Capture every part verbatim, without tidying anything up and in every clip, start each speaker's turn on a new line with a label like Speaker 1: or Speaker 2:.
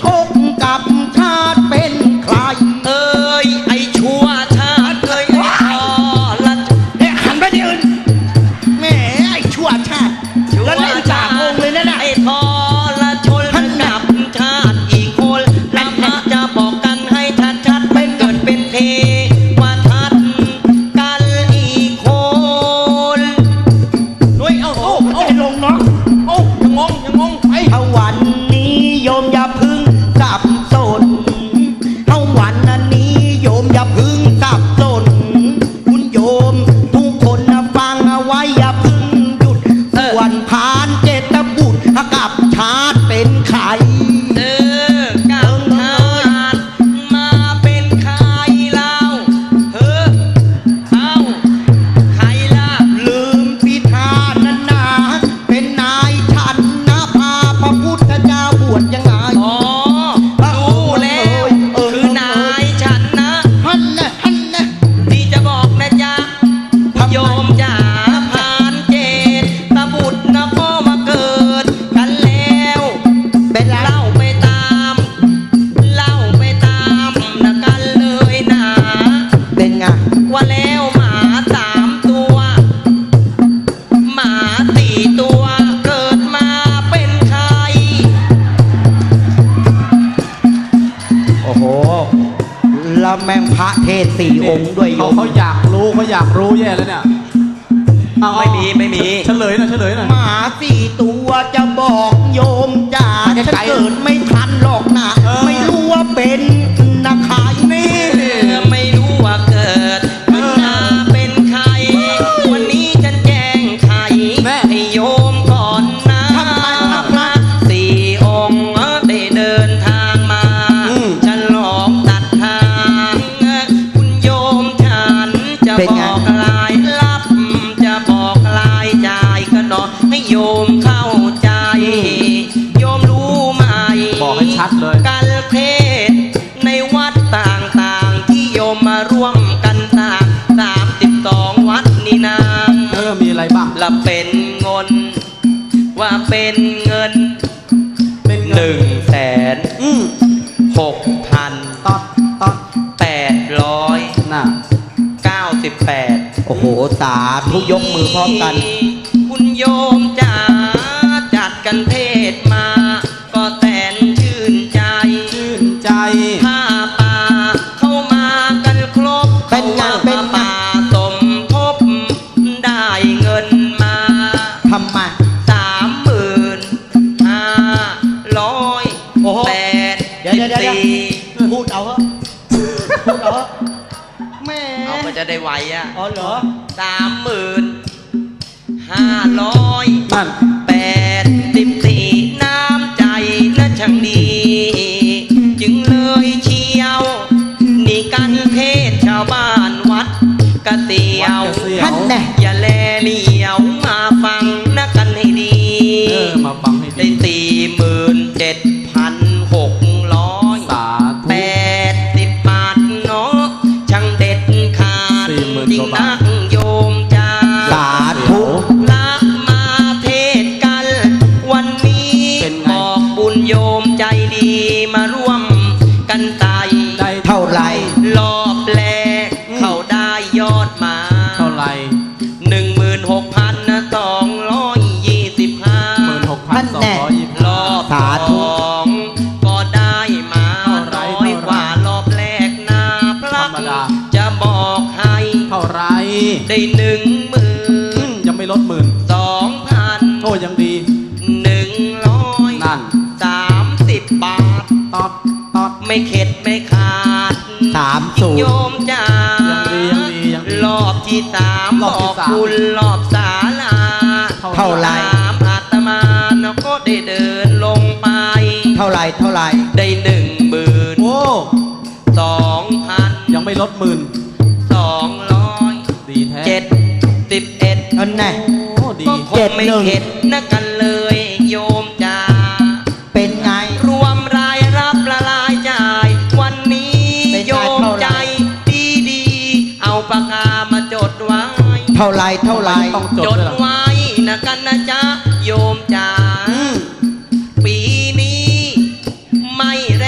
Speaker 1: กกับชาติเป็นใคร
Speaker 2: เอ้ยไอ้ชั่วชาติเอ้ยไอ้ทร
Speaker 1: เนี่ยหันไปที่อื่นแหมไอ้ชั่วชาติแล้วเล่นจากองเลยนะนะ
Speaker 2: ไอ้ทรชนกับชาติอีกคนแล้วพระจะบอกกันให้ชัดชัดเป็นเกิดเป็นเทวทัตกันอีกคนด้วยเอ้าโอ้โอ้
Speaker 1: ลงเนาะ
Speaker 2: โอ้ยังงงยังงงไอ้
Speaker 1: ถ้าวันนี้โยมอย่าพึ่งสับสนถ้าวันนี้โยมอย่าพึ่งสับสนคุณโยมทุกคนนะฟังเอาไว้อย่าพึ่งหยุดส่วนพานเจตบุตรกับชาติเป็นใคร
Speaker 2: เออกับชาติมาเป็นใครเล่าเฮ้อเอ้าใครล่ะ
Speaker 1: ลืมพิธานานาเป็นนายฉันนะพาพระพุทธเจ้าบวชยังไง
Speaker 2: อ๋อรู้แล้วคือนายฉันนะ
Speaker 1: ฮันนะฮันนะ
Speaker 2: ที่จะบอกนะจ๊ะโยมจ๋าผ่านเจตตบุตรนะพ่อมาเกิดกันแล้วเป็นเล่าไปตามเล่าไปตามนะกันเลยนะ
Speaker 1: เป็นไง
Speaker 2: ว่าแล้วหมาสามตัวหมาสี่ตัวเกิดมาเป็นใคร
Speaker 1: โอ้โหแล้วแม่งพระเทศสี่องค์ด้วยโย
Speaker 3: เขา
Speaker 1: ม
Speaker 3: เขาอยากรู้เขาอยากรู้แย่แล้วเนี่ย
Speaker 2: ไม่มีไม่มี
Speaker 3: เฉลยหน่อยเฉลยหน่อย
Speaker 1: หมาสี่ตัวจะบอกโยมจ๋าฉันเกิดไม่ทันหรอกนะไม่รู้ว่าเป็นนักขายนี่
Speaker 2: ไม่รู้ว่าเกิดมันมาเป็นใครวันนี้ฉันแจ้งไขให้โยมก่อนนะสี่องค์ได้เดินทางมาฉันหลอกตัดทางคุณโยมฉันจะบอกลายลับจะบอกลายใจก็หนอให้โยมเข้าใจโยมรู้ไหม
Speaker 3: บอกให้ชัดเลย
Speaker 2: การเทศในวัดต่างๆที่โยมมาร่วมกันสร้างสามสิบสองวัดนี่นาง
Speaker 3: เออมีอะไรบ้าง
Speaker 2: ละเป็นเงินว่าเป็นเงิน
Speaker 3: เป็น
Speaker 2: หนึ่งแสนหกพัน
Speaker 3: ต๊อดต๊อด
Speaker 2: แปดร้อย
Speaker 3: น่ะ
Speaker 2: เก้าสิบแปด
Speaker 1: โอ้โหสาธุยกมือพร้อมกัน
Speaker 2: คุณโยมจ๋าจัดกันเทศมาก็แสนชื่นใจ
Speaker 3: ชื่นใจ
Speaker 2: ผ้าป่าเข้ามากันครบ
Speaker 1: เป็นงานเป็น
Speaker 2: ป่าสมทบได้เงินมา
Speaker 1: ทำมา
Speaker 2: สามหมื่นห้าร้อยแปดสิบสี่
Speaker 1: พูดเอาเหรอพูดเอาเหรอแม่
Speaker 2: เอาก็จะได้ไหวอ่ะ
Speaker 1: อ๋อเหรอ
Speaker 2: สามหมื่นห้าร้อย
Speaker 3: นั่น
Speaker 2: แปดสิบสี่น้ำใจและช่างดีจึงเลยเชียวนี่กันเทศชาวบ้านวัดกะเตียว
Speaker 1: ท่านแน่
Speaker 2: อย่าแลเลียวมาฟังนะกันให้ดี
Speaker 3: เออมาฟังให้ดี
Speaker 2: ได้สี่หมื่นเจ็ดพันหกร้อยแปดสิบบาทเนาะช่างเด็ดขาดจริงนักโยมจ้า
Speaker 1: สาธุ
Speaker 2: ละมาเทศกันวันนี้บอกบุญโยมใจดีมาร่วมกันไต่
Speaker 1: ได้เท่าไร
Speaker 2: รอบแรกเขาได้ยอดมา
Speaker 3: เท่าไร
Speaker 2: หนึ่งหมื่นหกพันสองร้อยยี่สิบห้า
Speaker 3: หมื่นหกพันสองร้อยยี่สิบ
Speaker 2: รอบสองก็ได้มาน้อยกว่ารอบแรกนาพระจะบอกให้
Speaker 3: เท่าไร
Speaker 2: ได้หนึ่งหมื่น
Speaker 3: ยังไม่ลดหมื่น
Speaker 2: สองพัน
Speaker 3: โอ้ยังดี
Speaker 2: หนึ่งร้อย
Speaker 3: นั่น
Speaker 2: สามสิบบาท
Speaker 3: ต๊อดต๊อด
Speaker 2: ไม่เข็ดไม่ขาด
Speaker 1: สามสู
Speaker 2: โยมจ้า
Speaker 3: ยังดียังดียังดี
Speaker 2: รอบที่สามบอกคุณรอบศาลา
Speaker 1: เท่าไร
Speaker 2: อาตมาเนาะก็ได้เดินลงไป
Speaker 1: เท่าไรเท่าไร
Speaker 2: ได้หนึ่งหมื่น
Speaker 3: โอ้
Speaker 2: สองพัน
Speaker 3: ยังไม่ลดหมื่น
Speaker 2: สองร้อย
Speaker 3: ดีแท้
Speaker 2: เจ็ดสิบเอ็ด
Speaker 1: อันไหน
Speaker 2: ก็คงไม่เข็ดนะกันเลยโยมจ้า
Speaker 1: เป็นไง
Speaker 2: รวมรายรับละลายจ่ายวันนี้โยมใจดีดีเอาปากกามาจดไว้
Speaker 1: เท่าไรเท่าไร
Speaker 2: จดไว้นะกันนะจ๊ะโยมจ๋าปีนี้ไม่แร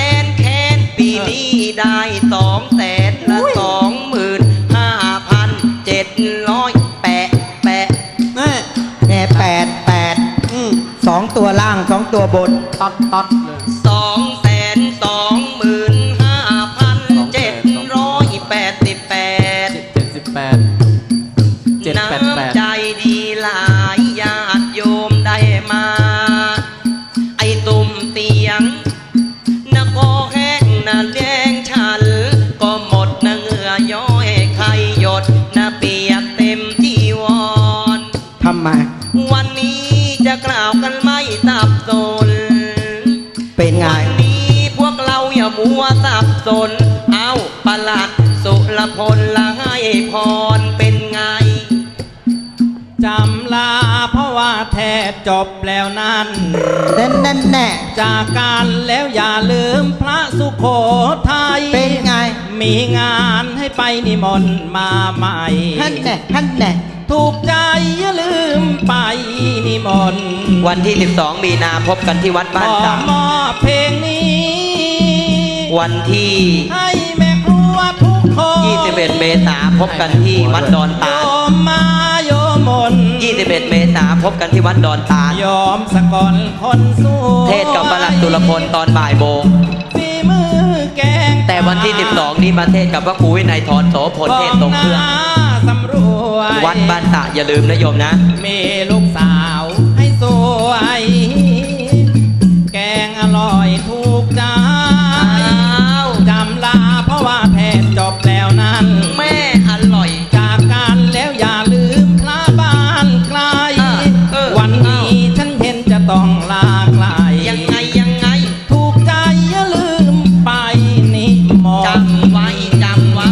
Speaker 2: องแสนละสองหมื่นห้าพันเจ็ดร้อยแปะแปะ
Speaker 3: แน่
Speaker 1: แน่แปดแปด
Speaker 3: อืม
Speaker 1: สองตัวล่างสองตัวบน
Speaker 3: ตัดตัดเลย
Speaker 2: สองแสนสองหมื่นห้าพันเจ็ดร้อยแปดสิบแปด
Speaker 3: เจ็ดสิบแปดเจ็ดแปดแปด
Speaker 2: น้ำใจดีหลายญาติโยมได้มา ไอ้ตุ่มเตียงนะก็แห้งนะแดงฉัน ก็หมดนะเหงื่อย้อยใครหยดนะเปียกเต็มจีวร
Speaker 1: ทำไม
Speaker 2: วันนี้จะกล่าวกันไม่สับสน
Speaker 1: เป็นไง
Speaker 2: วันนี้พวกเราอย่ามัวสับสน เอาประหลัดสุรพลละให้พรเป็นไง
Speaker 4: จำลาเพราะว่าแทบจบแล้วนั้น
Speaker 1: แน่แน่แน่
Speaker 4: จากการแล้วอย่าลืมพระสุโขทัย
Speaker 1: เป็นไง
Speaker 4: มีงานให้ไปนิมนต์มาใหม่
Speaker 1: ท่านแน่ท่านแน่
Speaker 4: ถูกใจอย่าลืมไปนิมนต์
Speaker 2: วันที่สิบสองมีนาพบกันที่วัด
Speaker 4: ข
Speaker 2: บ้าน
Speaker 4: อ
Speaker 2: สาม
Speaker 4: มอบเพลงนี้
Speaker 2: วันที่
Speaker 4: ให้แม่ครัวทุกคน
Speaker 2: ยี่สิบเอ็ดเมษาพบกันที่วัดดอนตา
Speaker 4: โย
Speaker 2: ล
Speaker 4: มมาโยมมน
Speaker 2: ยี่สิบเอ็ดเมษาพบกันที่วัดดอนตาล
Speaker 4: ยอมสกลคนสวย
Speaker 2: เทศกับประหลัดสุรพลตอนบ่ายโมง
Speaker 4: ฝีมือแกง
Speaker 2: แต่วันที่สิบสองนี้มาเทศกับพระครูวินัยทรโสพลเทศตรงเครื่อง
Speaker 4: สำรวย
Speaker 2: วัดบ้านตะอย่าลืมนะโยมนะ
Speaker 4: มีลูกสาวให้สวย แกงอร่อยถูกใจ จำลาเพราะว่าแทนจบแล้วนั้น
Speaker 2: แม่อร่อย
Speaker 4: จากกันแล้วอย่าลืมพระบ้านไกล
Speaker 2: เออเออ
Speaker 4: วันนี้ฉันเห็นจะต้องลาไกล
Speaker 2: ยังไงยังไง
Speaker 4: ถูกใจอย่าลืมไปนิมนต์
Speaker 2: จำไว้จำไว้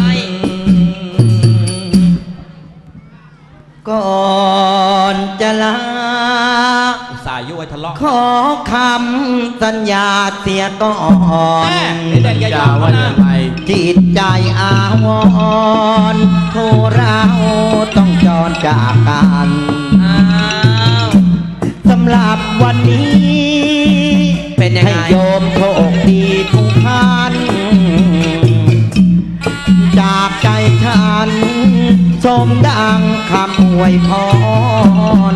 Speaker 1: ก่อนจะลา
Speaker 4: อุตส่าห์ยุ่ยทะเลาะ
Speaker 1: ขอคำสัญญาเสียก่อน
Speaker 4: แม่เด็กๆอย่าย
Speaker 3: า
Speaker 4: อม
Speaker 3: ว่า
Speaker 4: นะ
Speaker 3: อย่างไร
Speaker 1: จิตใจอาวรณ์โทเราต้องจรจากกัน
Speaker 2: อ้าว
Speaker 1: สำหรับวันนี้
Speaker 2: เป็นยังไง
Speaker 1: ให้โยมโชคดีทุกท่าน จากใจฉันสมดังคำอวยพร